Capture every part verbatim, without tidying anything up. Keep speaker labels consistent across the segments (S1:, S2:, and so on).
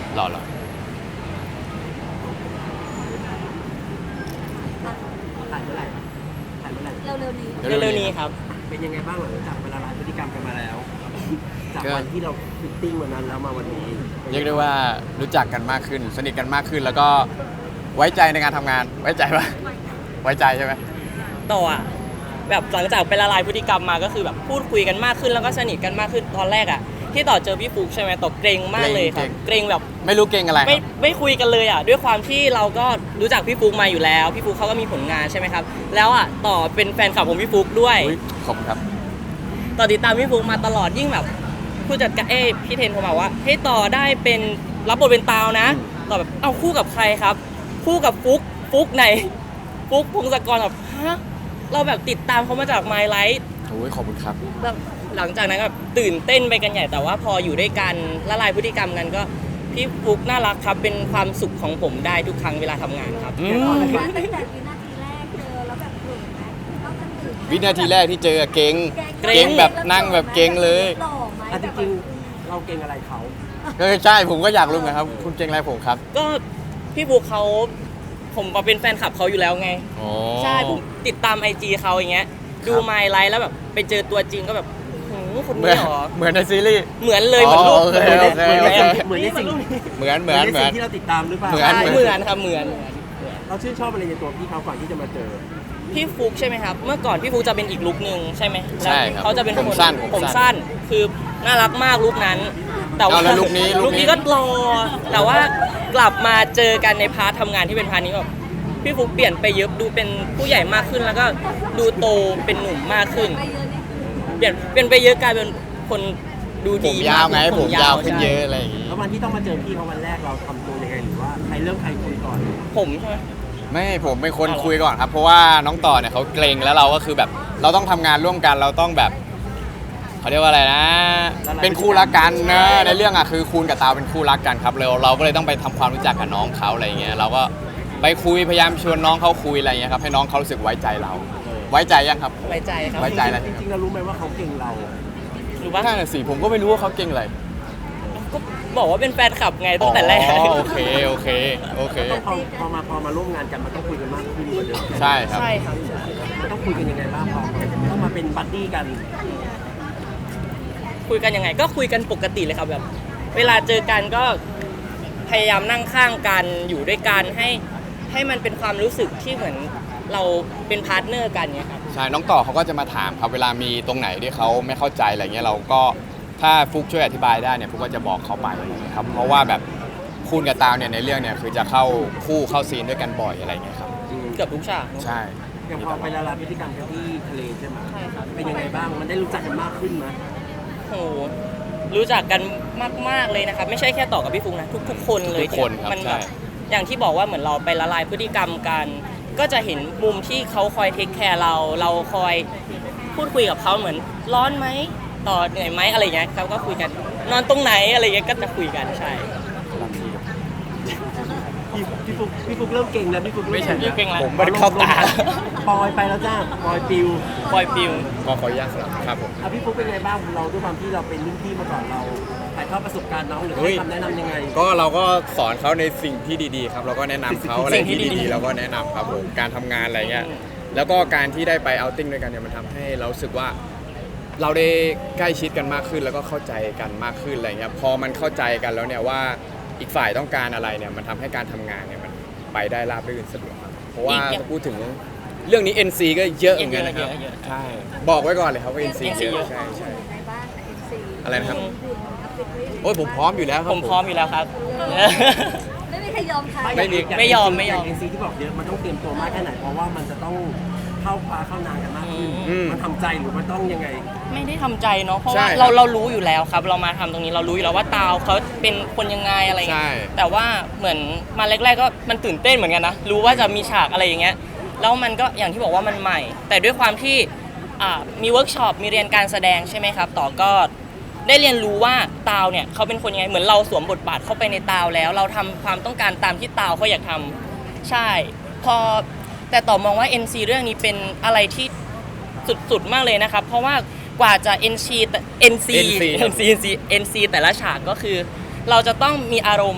S1: รอรอ
S2: ถ่ายเมื่อไหร่ถ่ายเมื่อไหร่
S3: เร็วๆนี้
S4: เร็วๆนี้ครับ
S2: เป็นยังไงบ้างหลังจากเวลาร้ายพฤติกรรมกันมาแล้วจากวันที่เราฟิตติ้งวันนั้นแล้วมาวันนี้
S1: เรียกได้ว่ารู้จักกันมากขึ้นสนิทกันมากขึ้นแล้วก็ไว้ใจในการทำงานไว้ใจปะไว้ใจใช่ไหม
S4: ต่ออ่ะแบบหลังจากไปละลายพฤติกรรมมาก็คือแบบพูดคุยกันมากขึ้นแล้วก็สนิทกันมากขึ้นตอนแรกอ่ะที่ต่อเจอพี่ฟุกใช่ไหมต่อเกรงมากเลยครับเกรงแบบ
S1: ไม่รู้เก่งอะไรค
S4: ไม่
S1: รับ
S4: ไม่คุยกันเลยอ่ะด้วยความที่เราก็รู้จักพี่ฟุกมาอยู่แล้วพี่ฟุกเขาก็มีผลงานใช่ไหมครับแล้วอ่ะต่อเป็นแฟนคลับของพี่ฟุกด้วย
S1: อุ๊ยขอบคุณครับ
S4: ต่อติดตามพี่ฟุกมาตลอดยิ่งแบบผู้จัดการเอ้ยพี่เทนเขาบอกว่าให้ต่อได้เป็นรับบทเป็นตาวนะต่อแบบเอาคู่กับใครครับ คู่กับฟุกฟุกไหนฟุกพงศกรแบบฮะเราแบบติดตามเขามาจาก My Life
S1: โอ้ยขอบคุณครับ
S4: แล้วหลังจากนั้นก็แบบตื่นเต้นไปกันใหญ่แต่ว่าพออยู่ด้วยกันละลายพฤติกรรมกันก็พี่ฟุกน่ารักครับเป็นความสุขของผมได้ทุกครั้งเวลาทำงานครับ
S1: อืม
S3: ตั้งแต่วินาทีแรกเจอแล้วแบบเกิดไหมต้องจะตื่น
S1: วินาทีแรกที่เจอเก่ง
S4: เกรง
S1: เก่งแบบนั่งแบบเก่งเลย
S3: หล่อไหม
S2: อ่ะจริงๆเราเก่งอะไรเขา
S1: ก็ใช่ผมก็อยากรู้ไงครับคุณเก่งอะไรผมครับ
S4: ก็พี่ฟุกเขาผมมาเป็นแฟนคลับเขาอยู่แล้วไง
S1: อ๋อ
S4: ใช่ผมติดตามไอจีเขาอย่างเงี้ยดู
S1: ครับ
S4: ไมล์ไลฟ์แล้วแบบไปเจอตัวจริงก็แบบโหคน
S1: เหมือ
S4: นี้
S1: น
S4: เหรอ
S1: เหมือนในซีรีส์
S4: เหมือนเลยเหมือนรูป
S1: อ๋อโอเค
S4: เหมือน
S1: โอเค
S4: เลย
S2: เหมือนในสิ่ง
S1: เหมือนเหมือนเหมือน
S2: ในสิ่งที่เราติดตามหรือเปล่า
S1: เหมือน
S4: ใช่เหมือนครับเหมือน
S2: เราชื่นชอบอะไรในตัวพี่เขาก่อนที่จะมาเจอ
S4: พี่ฟุกใช่ไหมครับ เมื่อก่อนพี่ฟุกจะเป็นอีกลุคนึงใช่ไหม
S1: ใช่ครับ
S4: เขาจะเป็น
S1: ผม
S4: คน
S1: สั้น
S4: ผ
S1: ผม
S4: ม
S1: สั้น
S4: สั้นคือน่ารักมากลุคนั้น แต่ว่า
S1: เอาแล้วลุคนี้ลุ
S4: ลุ
S1: ค
S4: ค
S1: นี้
S4: นี้ก็รอแต่ว่ากลับมาเจอกันในพาร์ททำงานที่เป็นพาร์ทนี้แบบพี่ฟุกเปลี่ยนไปเยอะดูเป็นผู้ใหญ่มากขึ้น แล้วก็ดูโตเป็นหนุ่มมากขึ้น
S3: ไปเยอะนี่
S4: เปลี่ยนเปลี่ยนไปเยอะกลายเป็นคนดู
S1: ผ
S4: ดี
S1: มยาวไง
S4: ก
S1: ผมยาวขึ้น
S4: ใช่
S1: เยอะอะไรอย่างงี้
S2: แล้ววันที่ต้องมาเจอพี่เขาวันแรกเราทำตัวยังไงหรือว่าใครเริ่มใครคุยก่อน
S4: ผมใช่ไหม
S1: ไม่ผมเป็นคน
S4: เอาเหรอ
S1: คุยก่อนครับ เพราะว่าน้องต่อเนี่ยเขาเกรงแล้วเราก็คือแบบ เราต้องทำงานร่วมกันเราต้องแบบเขาเรียกว่าอะไรนะ เป็นคู่รักกันนะในเรื่องอ่ะคือคูณกับตาวเป็นคู่รักกันครับเราเราก็เลยต้องไปทำความรู้จักกับน้องเขาอะไรอย่างเงี้ยเราก็ไปคุยพยายามชวนน้องเขาคุยอะไรอย่างเงี้ยครับให้น้องเขารู้สึกไว้ใจเรา ไว้ใจยังครับ
S4: ไว้ใจครับ
S1: ไว้ใจอะไร
S2: จริงๆเรารู้ไหมว่าเขาเก่งเรา
S4: หรือว่า
S1: ถ้าสิผมก็ไม่รู้ว่าเขาเก่งอะไร
S4: ก็บอกว่าเป็นแฟนคลับไงตั้งแต่แรก
S1: อ๋อโอเคโอเคโอเค
S2: ต้องพอพอมาพอมาร่วมงานกันมันต้องคุยกันมากขึ้นกว่าเดิม
S1: ใช่ครับ
S4: ใช่ครับ
S2: มันต้องคุยกันยังไงบ้างพอต้องมาเป็นบัดดี้กัน
S4: คุยกันยังไงก็คุยกันปกติเลยครับแบบเวลาเจอกันก็พยายามนั่งข้างกันอยู่ด้วยกันให้ให้มันเป็นความรู้สึกที่เหมือนเราเป็นพาร์ทเนอร์กันเนี่ยครับ
S1: ใช่น้องต่อเขาก็จะมาถามครับเวลามีตรงไหนที่เขาไม่เข้าใจอะไรเงี้ยเราก็ถ้าฟุกช่วยอธิบายได้เนี่ยฟุกก็จะบอกเขาไปอะไรเงี้ยครับเพราะว่าแบบคูณกับตาวเนี่ยในเรื่องเนี่ยคือจะเข้าคู่เข้าซีนด้วยกันบ่อยอะไรเงี้ยครับ
S4: เกือบทุกฉากเนอะ
S1: ใช่
S2: อย่างพอไปละลายพฤติกรรมกันที่ทะเลใช่ไหม
S4: ใช่ครับ
S2: เป็นยังไงบ้างมันได้รู้จักกันมากขึ้นไหม
S4: โอ้โหรู้จักกันมากๆเลยนะครับไม่ใช่แค่ต่อกับพี่ฟุกนะทุกๆคนเลย
S1: ทุกคนครับ
S4: มัแบ
S1: ใช่
S4: บอย่างที่บอกว่าเหมือนเราไปละลายพฤติกรรมกัน ก็จะเห็นมุมที่เขาคอยเทคแคร์เราเราคอยพูดคุยกับเขาเหมือนร้อนไหมต่อเหนื่อยไหมอะไรเงี้ยเขาก็คุยกันนอนตรงไหนอะไรเงี้ยก็จะคุยกันใช่
S2: พี่พี่ฟุกพี่ฟุกเริ่มเก่งแล้วพี่ฟุกเริ่
S1: ไม่ใช่
S4: พี่เก่งแล้ว
S1: ผมไม่ได้เข้าตา
S2: ปอยไปแล้วจ้าปอยปิว
S4: ปล่อยฟิว
S1: ขอขออนุญาตสลับครับผม
S2: อ่ะพี่ฟุกเป็นไงบ้างเราด้วยความที่เราเป็นรุ่นพี่มาก่อนเราถ่ายทอดประสบการณ์น้องหรือ
S1: เฮ้
S2: ให้
S1: ย
S2: คำแนะนำยังไง
S1: ก็เราก็สอนเขาในสิ่งที่ดีๆครับเราก็แนะนำเขาอะไรที่ดีๆเราก็แนะนำครับผมการทำงานอะไรเงี้ยแล้วก็การที่ได้ไปเอาท์ติ้งด้วยกันเนี่ยมันทำให้เรารู้สึกว่า เราได้ใกล้ชิดกันมากขึ้นแล้วก็เข้าใจกันมากขึ้นอะไรเงี้ยพอมันเข้าใจกันแล้วเนี่ยว่าอีกฝ่ายต้องการอะไรเนี่ยมันทำให้การทำงานเนี่ยมันไปได้ราบรื่นสะดวกครับเพราะว่าถ้าพูดถึงเรื่องนี้ เอ็น ซี ก็เยอะเหมือนกันนะครับใช่บอกไว้ก่อนเลยครับว่า เอ็น ซี เยอะใช่ใช่
S3: ในบ้านเอ็นซี
S1: อะไรนะครับ
S3: หุ่นอัพฟิตวิ่ง
S1: โอ้ยผมพร้อมอยู่แล้วครับ
S4: ผมพร้อมอยู่แล้วครับ
S3: ไม่มีใครยอมใคร
S1: ไม่มี
S4: ไม่ยอมไม่ยอม
S2: เอ็นซีที่บอกเยอะมันต้องเตรียมตัวมากแค่ไหนเพราะว่ามันจะต้องเข้าปลาเข้านานกันมากขึ้น
S1: อืม
S2: มันทำใจหรือมันต้องยังไง
S4: ไม่ได้ทำใจเนาะเพราะ
S1: ใช่
S4: ว่า
S1: ครับ
S4: เราเรารู้อยู่แล้วครับ เรามาทำตรงนี้เรารู้อยู่แล้วว่าตาวเขาเป็นคนยังไงอะไร
S1: ใช่
S4: เงี้ยแต่ว่าเหมือนมาแรกๆก็มันตื่นเต้นเหมือนกันนะรู้ว่าจะมีฉากอะไรอย่างเงี้ยแล้วมันก็อย่างที่บอกว่ามันใหม่ แต่ด้วยความที่อ่ามีเวิร์กช็อปมีเรียนการแสดงใช่ไหมครับต่อก็ได้เรียนรู้ว่าตาวเนี่ยเขาเป็นคนยังไงเหมือนเราสวมบทบาทเข้าไปในตาวแล้ว เราทำความต้องการตามที่ตาวเขาอยากทำใช่ พอแต่ต่อมองว่า เอ็น ซี เรื่องนี้เป็นอะไรที่สุดๆมากเลยนะครับ เพราะว่ากว่าจะ เอ็น ซี แต่ เอ็น ซี
S1: เอ็น ซี
S4: เอ็น ซี เอ็น ซี เอ็น ซี แต่ละฉากก็คือ เราจะต้องมีอารมณ์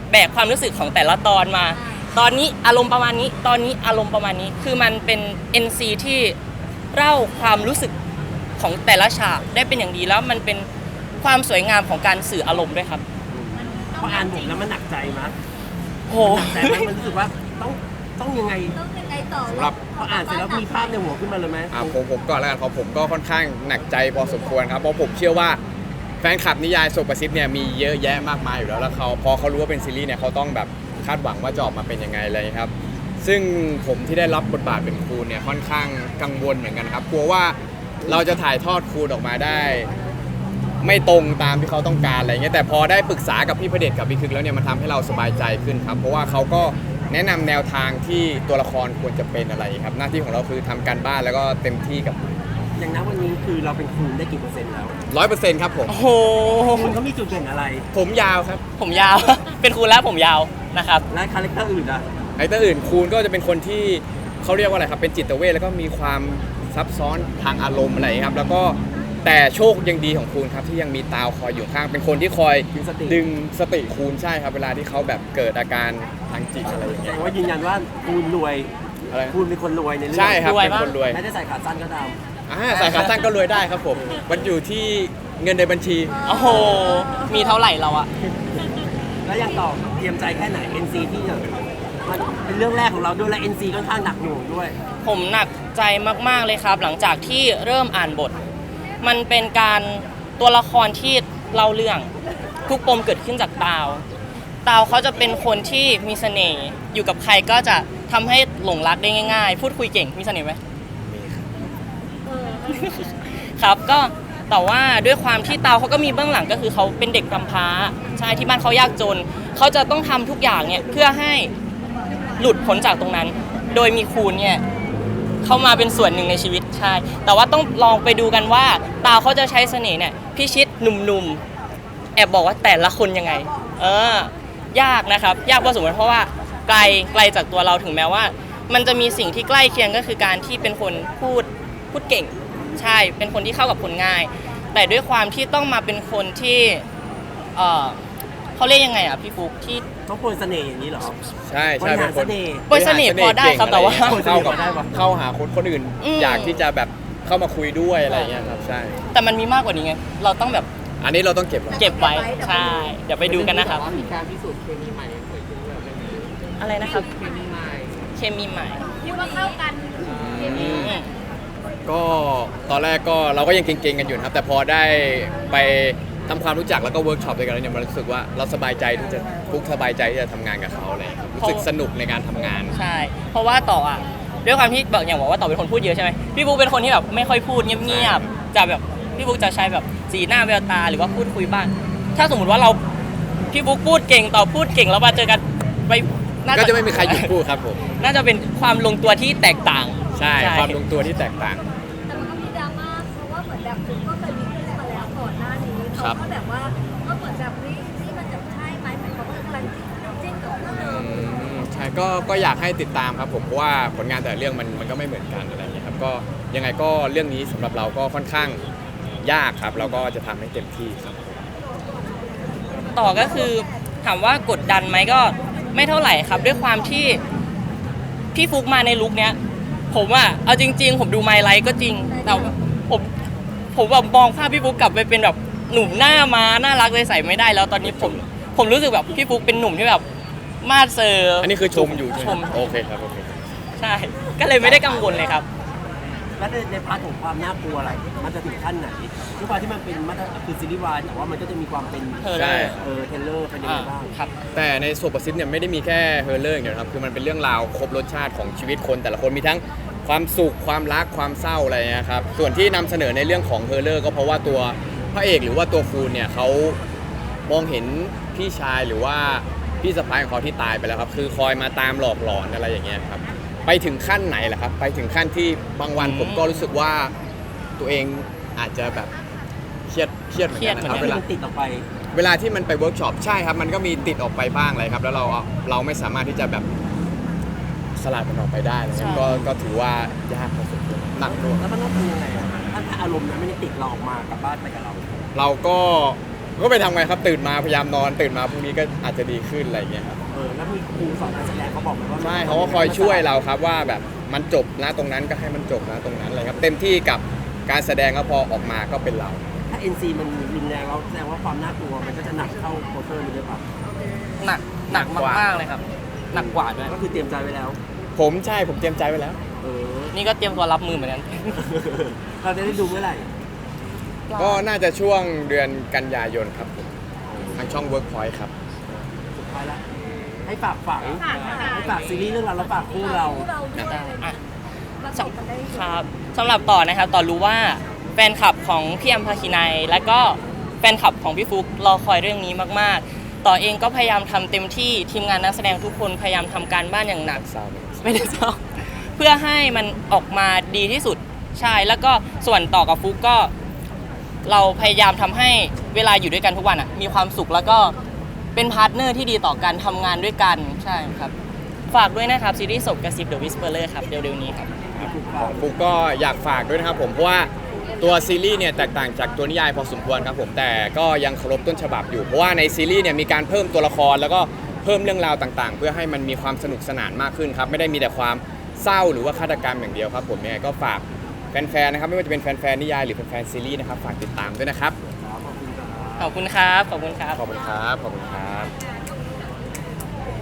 S4: แบกความรู้สึกของแต่ละตอนมา ตอนนี้อารมณ์ประมาณนี้ ตอนนี้อารมณ์ประมาณนี้ คือมันเป็น เอ็น ซี ที่เล่าความรู้สึกของแต่ละฉากได้เป็นอย่างดีแล้วมันเป็นความสวยงามของการสื่ออารมณ์ด้วยครับ
S2: พออ่านบทแล้วมันหนักใจมั้ย
S4: โห
S2: แต่มันมันรู้สึกว่าต้องต้องยังไง
S3: ต้องยังไงต่อ
S1: สำหรับ
S2: พออ่านเสร็จแล้วมีภาพในหัวขึ้นมาเลยไหม
S1: อ่าผมผมก่อนแล้วกันของผมก็ค่อนข้างหนักใจพอสมควรครับเพราะผมเชื่อว่าแฟนคลับนิยายโซประซิดเนี่ยมีเยอะแยะมากมายอยู่แล้วแล้วเขาพอเขารู้ว่าเป็นซีรีส์เนี่ยเขาต้องแบบคาดหวังว่าจะออกมาเป็นยังไงอะไรครับซึ่งผมที่ได้รับบทบาทเป็นครูเนี่ยค่อนข้างกังวลเหมือนกันครับกลัวว่าเราจะถ่ายทอดครูออกมาได้ ไม่ตรงตามที่เขาต้องการอะไรเงี้ยแต่พอได้ปรึกษากับพี่พระเดชกับพี่คึกแล้วเนี่ยมันทำให้เราสบายใจขึ้นครับเพราะว่าเขาก็แนะนำแนวทางที่ตัวละครควรจะเป็นอะไรครับหน้าที่ของเราคือทำการบ้านแล้วก็เต็มที่กับ
S2: อย่างนั้นวันนี้คือเราเป็นครูได้กี่เปอร์เซ็นต์แล้ว
S1: ร้อยเปอร์เซ็นต์ครับผม
S4: โอ้โห
S2: คุณเขามีจุดเด่นอะไร
S1: ผมยาวครับ
S4: ผมยาว เป็นครูแล้วผมยาวนะครับ
S2: และคาแรคเตอร์อื่นอ่ะ
S1: ไอ้ตัวอื่นคูณก็จะเป็นคนที่เขาเรียกว่าอะไรครับเป็นจิตเวชแล้วก็มีความซับซ้อนทางอารมณ์อะไรครับแล้วก็แต่โชคยังดีของคูณครับที่ยังมีตาวคอยอยู่ข้างเป็นคนที่คอย
S2: ดึงสติ
S1: ดึงสติคูณใช่ครับเวลาที่เขาแบบเกิดอาการทางจิตอะไรอย่าง
S2: แส
S1: เงี้
S2: ด
S1: ย
S2: งว่ายืนยันว่าคุณรวย
S1: อะไร
S2: คุณเป็นคนรวยในเรื่อง
S1: ใช่ครับ
S4: รวย
S1: เป็น
S4: ปะ
S1: คนรวย
S2: ไม่ได้ใส่ขาสั้นก็ตาม
S1: อ่าสายขาตั้งก็รวยได้ครับผม มันอยู่ที่เงินในบัญชี
S4: โอ้โห มีเท่าไหร่เราอะ
S2: แล้วยังต่อเตรียมใจแค่ไหน เอ็น ซี ที่จะมันเป็นเรื่องแรกของเราด้วยและ เอ็น ซี ค่อนข้างหนักหน่วงด้วย
S4: ผมหนักใจมาก ๆ เลยครับ หลังจากที่เริ่มอ่านบท มันเป็นการตัวละครที่เล่าเรื่อง ทุกปมเกิดขึ้นจากตาว ตาวเขาจะเป็นคนที่มีเสน่ห์ อยู่กับใครก็จะทำให้หลงรักได้ง่าย ๆ พูดคุยเก่ง มีเสน่ห์ไหม
S3: เออ
S4: ครับก็แต่ว่าด้วยความที่เตาเขาก็มีเบื้องหลังก็คือเขาเป็นเด็กกำพร้าใช่ที่บ้านเขายากจนเขาจะต้องทำทุกอย่างเนี่ยเพื่อให้หลุดพ้นจากตรงนั้น โดยมีคูณเนี่ยเข้ามาเป็นส่วนหนึ่งในชีวิตใช่แต่ว่าต้องลองไปดูกันว่าเตาเขาจะใช้เสน่ห์เนี่ยพิชิตหนุ่มๆแอบบอกว่าแต่ละคนยังไงเออยากนะครับยากพอสมควรเพราะว่าไกลไกลจากตัวเราถึงแม้ว่า มันจะมีสิ่งที่ใกล้เคียงก็คือการที่เป็นคนพูดพูดเก่ง ใช่ เป็นคนที่เข้ากับคนง่าย แต่ด้วยความที่ต้องมาเป็นคนที่ เออเขาเรียกยังไงอ่ะพี่ฟุกที่
S2: ต้องโปรยเสน่ห์อย่างนี้เหรอ
S1: ใช่
S2: บ
S1: ใช่
S2: ริ
S1: เป็
S2: หาร
S1: นค
S2: เส
S1: น
S2: น่ห์
S4: โปรยเสน่ห์พอได้ครับแต่ว่า
S1: เข้ากับ
S2: พอได้ปะ
S1: เข้าหาคนคนอื่น
S4: อืม
S1: อยากที่จะแบบเข้ามาคุยด้วยอะไรอย่างเงี้ยครับใช่
S4: แต่มันมีมากกว่านี้ไง เราต้องแบบ
S1: อันนี้เราต้องเก็บไว้
S4: เก็บไว้ ใช่ เดี๋ยวไปดูกันนะครับ
S5: มีการพิสูจน์เคมีใหม่เกิดขึ้นแบบนี้
S4: อะไรนะครับ
S5: เคมีใหม่
S4: เคมีใหม่
S3: คิดว่าเข้ากัน
S4: อืม
S1: ก็ตอนแรกก็เราก็ยังเก่งๆกันอยู่นะครับ แต่พอได้ไปทำความรู้จักแล้วก็เวิร์กช็อปด้วยกันแล้วเนี่ยมันรู้สึกว่าเราสบายใจที่จะฟุกสบายใจที่จะทำงานกับเขาอะไรอย่างเลยครับรู้สึกสนุกในการทำงาน
S4: ใช่ เพราะว่าต่ออ่ะ ด้วยความที่บอกอย่างบอกว่าต่อเป็นคนพูดเยอะใช่ไหมพี่บุ๊กเป็นคนที่แบบไม่ค่อยพูดเงียบๆ จะแบบพี่บุ๊กจะใช้แบบสีหน้าแววตาหรือว่าพูดคุยบ้าง ถ้าสมมติว่าเราพี่บุ๊กพูดเก่งต่อพูดเก่งแล้วมาเจอกันไปน่า
S1: ก็จะไม่มีใครหยุดพูดครับผม
S4: น่าจะเป็นความลงตัวที่แตกต่าง
S1: ใช่ความลงตัวที่แตกต่าง
S3: แต่มันก็มีดราม่าเพราะว่าเหมือนแบบคุณก็เคยมีขึ้นมาแล้วก่อนหน้านี้
S1: ครั
S3: เขา
S1: บ
S3: ก็แบบว่าก็เหมือนแบบนี่นี่มันจะใช่ไหมเหมือนเขาก็กำลังจิ้นกับคู่เดิม
S1: อืมใช่ก็ก็อยากให้ติดตามครับผมเพราะว่าผลงานแต่ละเรื่องมันมันก็ไม่เหมือนกันอะไรอย่างเงี้ยครับก็ยังไงก็เรื่องนี้สำหรับเราก็ค่อนข้างยากครับเราก็จะทำให้เต็มที่ครับ
S4: ต่อก็คือถามว่ากดดันไหมก็ไม่เท่าไหร่ครับ ด้วยความที่พี่ฟุกมาในลุคเนี้ย ผมอ่ะเอาจริง ๆ ผมดูไมล์ไลท์ก็จริง แต่ผมผมแบบมองภาพพี่ฟุกกลับไปเป็นแบบหนุ่มหน้ามาน่ารักเลยใส่ไม่ได้แล้วตอนนี้ผมผมรู้สึกแบบพี่ฟุกเป็นหนุ่มที่แบบมาดเซอร์
S1: อันนี้คือชมอยู่ใช่
S4: ช
S1: ไห
S4: ม
S1: มโอเคครับโอเค
S4: ใช่ ก็เลยไม่ได้กังวลเลยครับ
S2: แล้วในในพาร์ทของความน่ากลัวอะไร มันจะถึงขั้นไหนทุกความที่มันเป็นมาตรคือซีรีส์วายแต่ว่ามันก็จะมีความเป็น
S4: เออ
S1: ใช่
S2: เออเทรลเลอร์เป็นยังไงบ้าง
S4: ครับ
S1: แต่ในโซปซิสเนี่ยไม่ได้มีแค่เฮอร์เลอร์อย่างเดียวนะครับคือมันเป็นเรื่องราวครบรสชาติของชีวิตคนแต่ละคนมีทั้งความสุขความรักความเศร้าอะไรเงี้ยครับส่วนที่นำเสนอในเรื่องของเฮอร์เลอร์ก็เพราะว่าตัวพระเอกหรือว่าตัวฟูนเนี่ยเขามองเห็นพี่ชายหรือว่าพี่สะพ้ายของเขาที่ตายไปแล้วครับคือคอยมาตามหลอกหลอนอะไรอย่างเงี้ยครับไปถึงขั้นไหนล่ะครับไปถึงขั้นที่บางวัน
S4: อืม
S1: ผมก็รู้สึกว่าตัวเองอาจจะแบบเครียดเครียดเหมือนกันนะครับ
S4: เครี
S1: เวย
S4: ด
S1: ลา
S2: มันติดออกไป
S1: เวลาที่มันไปเวิร์กช็อปใช่ครับมันก็มีติดออกไปบ้างเลยครับแล้วเราเราไม่สามารถที่จะแบบสลัดมันออกไปได้เลย
S4: ใช่
S1: ก็ก็ถือว่ายากพอสมควรหนักด้วย
S2: แล้วมันต้องทำยังไงอะถ้าถ้าอารมณ์นั้นไม่ได้ติดเราออกมากลับบ้านไปกับเรา
S1: เราก็ก็ไปทำไงครับตื่นมาพยายามนอนตื่นมาพรุ่งนี้ก็อาจจะดีขึ้นอะไรอย่างเงี้ยครับ
S2: เออแล้วมีครูสอนการแสดงเขาบอกไหมว่า
S1: ใช่เขาก็คอยช่วยเราครับว่าแบบมันจบนะตรงนั้นก็ให้มันจบนะตรงนั้นอะไรครับเต็มที่กับการแสดงก็พอออกมาก็เป็นเรา
S2: ถ้า เอ็น ซี มันรุนแรงแล้วแสดงว่าความน่ากลัวมันก็จะหนักเข้าโปสเตอร์นี้ด้วยป่ะ
S4: หนักหนักมากๆเลยครับ หนักกว่าด้วย
S2: ก็คือเตรียมใจไว้แล้ว
S1: ผมใช่ผมเตรียมใจไว้แล้ว
S2: เออ
S4: นี่ก็เตรียมตัวรับมือเหมือนกัน
S2: เราจะได้ดูเมื่อไหร่
S1: ก็น่าจะช่วงเดือนกันยายนครับผมทางช่อง Workpoint ครับ
S2: สุดท้ายละให้ฝากฝังให้ฝากซีรีส์เรื่องเราแล้วฝากคู่เรา
S3: เราด้วย
S4: อ่ะ
S3: เราจบกันได้
S4: ครับสำหรับต่อนะครับต่อรู้ว่าแฟนคลับของพี่อัมพาคินัยและก็แฟนคลับของพี่ฟุกรอคอยเรื่องนี้มากๆ ต่อเองก็พยายามทำเต็มที่ทีมงานนักแสดงทุกคนพยายามทำการบ้านอย่างหนัก
S1: เศร้าไหม
S4: ไม่ได้เศร้าเพื่อให้มันออกมาดีที่สุดใช่แล้วก็ส่วนต่อกับฟุกก็ เราพยายามทำให้เวลาอยู่ด้วยกันทุกวันอ่ะมีความสุขแล้วก็เป็นพาร์ทเนอร์ที่ดีต่อการทำงานด้วยกันใช่ครับฝากด้วยนะครับซีรีส์ศพกระซิบ The Whisperer ครับเร็วๆนี้ครับ
S1: ของฟุกก็อยากฝากด้วยนะครับผมเพราะว่าตัวซีรีส์เนี่ยแตกต่างจากตัวนิยายพอสมควรครับผมแต่ก็ยังเคารพต้นฉบับอยู่เพราะว่าในซีรีส์เนี่ยมีการเพิ่มตัวละครแล้วก็เพิ่มเรื่องราวต่างๆ เพื่อให้มันมีความสนุกสนานมากขึ้นครับไม่ได้มีแต่ความเศร้าหรือว่าฆาตกรรมอย่างเดียวครับผมยังไงก็ฝากแฟนๆนะครับไม่ว่าจะเป็นแฟนๆนิยายหรือแฟนๆซีรีส์นะครับฝากติดตามด้วยนะครับ
S4: ขอบคุณครับ ขอบคุณครับ
S1: ขอบคุณครับขอบคุณครับ